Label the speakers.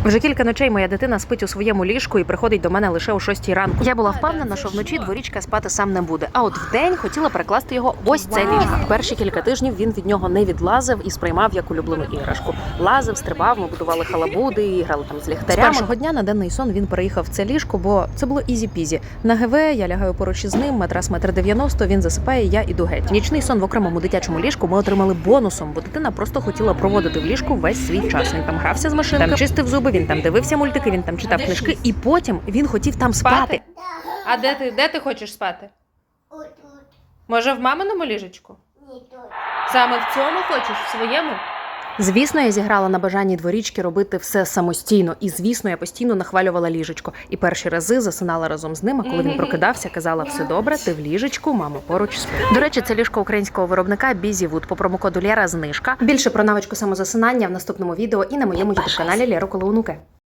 Speaker 1: Вже кілька ночей моя дитина спить у своєму ліжку і приходить до мене лише о 6 ранку. Я була впевнена, що вночі Дворічка спати сам не буде. А от вдень хотіла перекласти його ось це ліжко. Перші кілька тижнів він від нього не відлазив і сприймав як улюблену іграшку. Лазив, стрибав, ми будували халабуди, і грали там з ліхтарями. З першого дня на денний сон він переїхав в це ліжко, бо це було ізі-пізі. На ГВ я лягаю поруч із ним, матрас 1,90 м, він засипає, я іду геть. Нічний сон в окремому дитячому ліжку ми отримали бонусом, бо дитина просто хотіла проводити в ліжку весь свій час. Він там грався з машинкою, там чистив зуби, він там дивився мультики, він там читав книжки, і потім він хотів там спати.
Speaker 2: А де ти хочеш спати?
Speaker 3: Тут.
Speaker 2: Може, в маминому ліжечку?
Speaker 3: Ні, тут.
Speaker 2: Саме в цьому хочеш, в своєму?
Speaker 1: Звісно, я зіграла на бажанні Дворічки робити все самостійно. І, звісно, я постійно нахвалювала ліжечко. І перші рази засинала разом з ним, а коли він прокидався, казала: все добре, ти в ліжечку, мама поруч спить. До речі, це ліжко українського виробника Бізівуд. По промокоду Лєра знижка. Більше про навичку самозасинання в наступному відео і на моєму ютуб-каналі Лєра Колоунуке.